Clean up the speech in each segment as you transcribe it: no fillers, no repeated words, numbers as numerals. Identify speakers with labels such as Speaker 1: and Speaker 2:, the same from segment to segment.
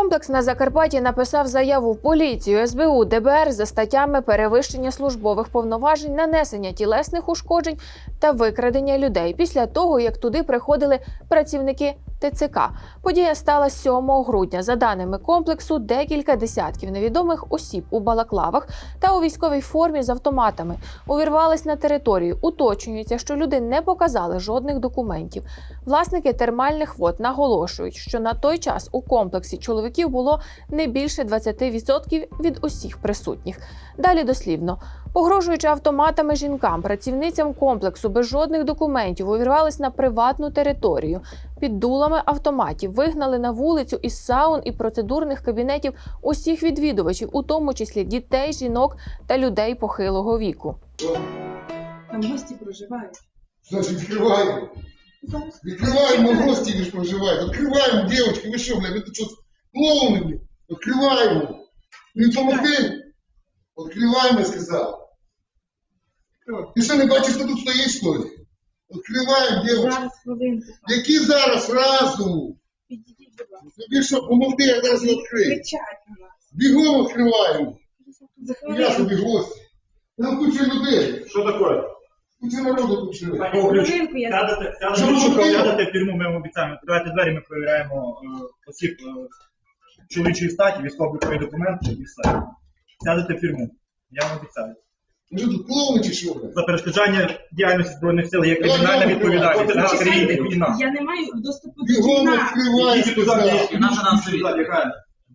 Speaker 1: Комплекс на Закарпатті написав заяву в поліцію, СБУ, ДБР за статтями перевищення службових повноважень, нанесення тілесних ушкоджень та викрадення людей після того, як туди приходили працівники ТЦК. Подія стала 7 грудня. За даними комплексу, декілька десятків невідомих осіб у балаклавах та у військовій формі з автоматами увірвались на територію. Уточнюється, що люди не показали жодних документів. Власники термальних вод наголошують, що на той час у комплексі чоловіків було не більше 20% від усіх присутніх. Далі дослівно. Погрожуючи автоматами жінкам, працівницям комплексу без жодних документів увірвались на приватну територію. Під дулами автоматів вигнали на вулицю із саун і процедурних кабінетів усіх відвідувачів, у тому числі дітей, жінок та людей похилого віку.
Speaker 2: Там гості проживають.
Speaker 3: Значит, открываем. Открываем, мы гости лишь проживаем. Открываем, девочки, вы что, блядь, это что, клоуны, блядь? Открываем. Не помогли? Открываем, я сказал. Ты что, не бачишь, что тут стоит, что ли? Открываем, девочки.
Speaker 2: Зараз хвилинку.
Speaker 3: Які зараз сразу?
Speaker 2: Підійдіть, будь ласка.
Speaker 3: Тобі що, помогти, я зараз відкрию.
Speaker 2: Кричать на нас.
Speaker 3: Бігом відкриваємо.
Speaker 2: За
Speaker 3: Я
Speaker 2: хвилинку.
Speaker 3: собі гості. Там куча людей.
Speaker 4: Що таке?
Speaker 3: Куча народу тут живе.
Speaker 2: За хвилинку я...
Speaker 4: Сядете в тюрму, ми вам обіцяємо. Відкривайте двері, ми перевіряємо осіб чоловічої статі, військово-облікові документи і все. Сядете в тюрму. Я вам обіцяю.
Speaker 3: Ви що тут клоуни чи що, блядь?
Speaker 4: За перешкоджання діяльності Збройних сил є кримінальна відповідальність. Це наша країна і війна.
Speaker 2: Я не маю доступу до
Speaker 3: Бігом
Speaker 2: вікна.
Speaker 3: відкривай,
Speaker 4: Ідіть туди,
Speaker 3: сказав.
Speaker 4: де наша нам стоїть. Яка?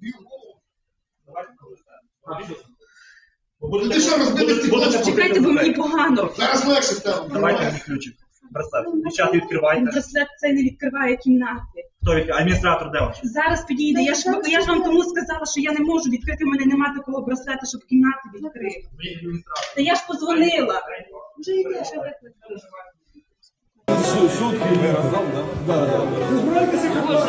Speaker 3: Ти що, розбити стекло?
Speaker 2: Чекайте, бо мені погано.
Speaker 3: Зараз легше стане.
Speaker 4: Давайте мені ключик. Браслет. Дівчата, відкривайте.
Speaker 2: Браслет цей не відкриває кімнати.
Speaker 4: Хто відкриває? Адміністратор де ваш?
Speaker 2: Зараз підійде. Я ж вам тому сказала, що я не можу відкрити. У мене немає такого браслета, щоб кімнати відкрити. Та я ж позвонила. Вже йде, що викликали.
Speaker 5: Сутки ви разом, да? Да. Збирайтеся,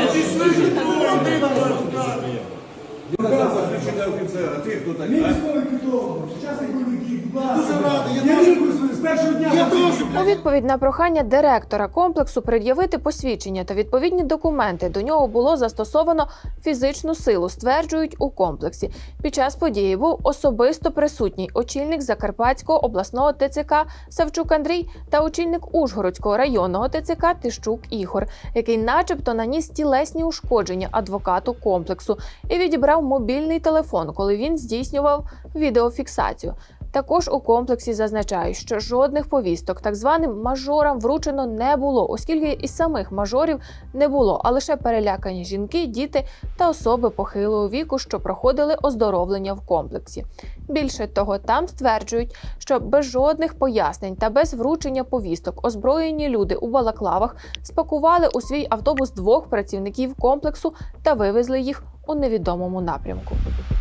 Speaker 5: включення офіцера, ти хто такий? Мій військовий квиток, сучасний бойовиків, будь ласка. Я дуже з першого дня.
Speaker 1: У відповідь на прохання директора комплексу пред'явити посвідчення та відповідні документи до нього було застосовано фізичну силу, стверджують у комплексі. Під час події був особисто присутній очільник Закарпатського обласного ТЦК Савчук Андрій та очільник Ужгородського районного ТЦК Тищук Ігор, який начебто наніс тілесні ушкодження адвокату комплексу і відібрав мобільний телефон, коли він здійснював відеофіксацію. Також у комплексі зазначають, що жодних повісток так званим мажорам вручено не було, оскільки і самих мажорів не було, а лише перелякані жінки, діти та особи похилого віку, що проходили оздоровлення в комплексі. Більше того, там стверджують, що без жодних пояснень та без вручення повісток озброєні люди у балаклавах спакували у свій автобус 2 працівників комплексу та вивезли їх у невідомому напрямку.